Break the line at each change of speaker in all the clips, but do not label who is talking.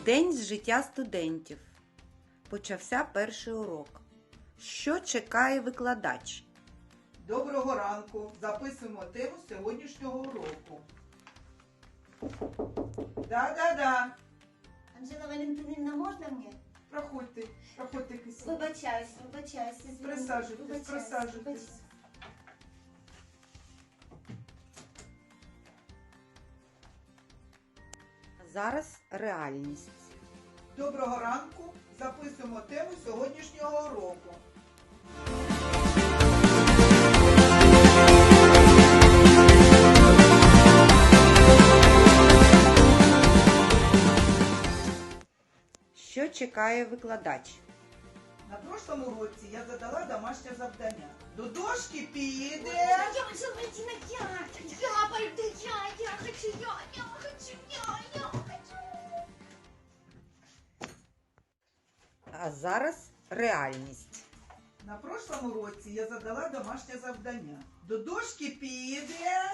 День з життя студентів. Почався перший урок. Що чекає викладач?
Доброго ранку! Записуємо тему сьогоднішнього уроку. Да.
Анжела Валентинівна, можна мені?
Проходьте кисень.
Вибачаюсь, извините.
Присаджуйтесь.
Зараз реальність.
Доброго ранку! Записуємо тему сьогоднішнього уроку.
Що чекає викладач?
На прошлому уроці я задала домашнє завдання. До дошки піде.
Я Анжела Валентина, я пойду, я хочу.
А зараз реальність.
На прошлому уроці я задала домашнє завдання. До дошки піде.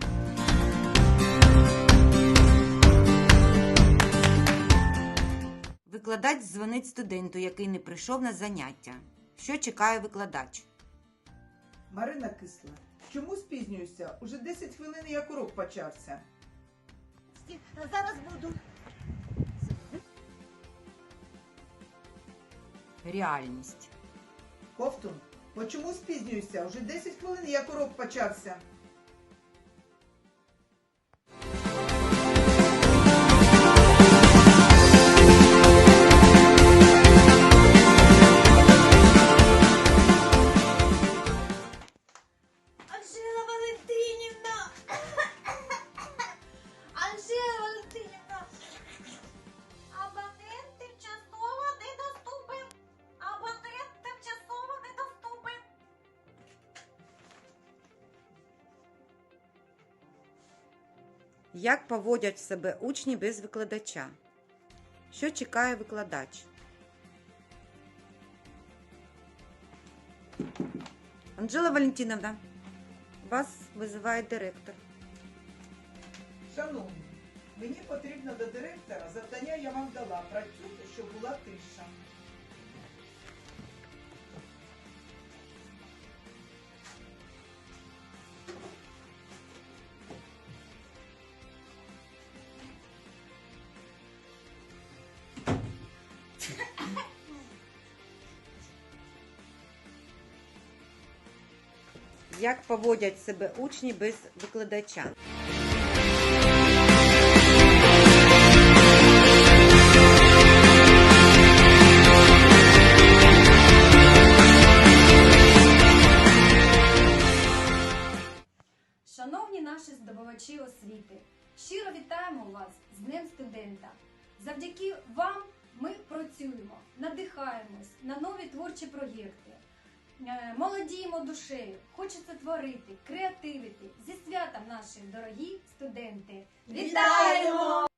Викладач дзвонить студенту, який не прийшов на заняття. Що чекає викладач?
Марина Кисла, чому спізнююся? Уже 10 хвилин, як урок почався.
Зараз буду.
Реальність.
Ковтун, чому спізнююся? Уже 10 хвилин, як урок почався.
Анжела Валентинівна! Анжела Валентинівна! Абонент тимчасово недоступен. Абонент тимчасово недоступен.
Як поводять себе учні без викладача? Що чекає викладач? Анжела Валентиновна, вас визиває директор.
Шановні, мені потрібно до директора, завдання я вам дала. Працюйте, щоб була тиша.
Як поводять себе учні без викладача?
Шановні наші здобувачі освіти, щиро вітаємо вас з Днем студента. Завдяки вам ми працюємо, надихаємось на нові творчі проєкти, молодіємо душею, хочеться творити, креативити. Зі святом наші дорогі студенти! Вітаємо!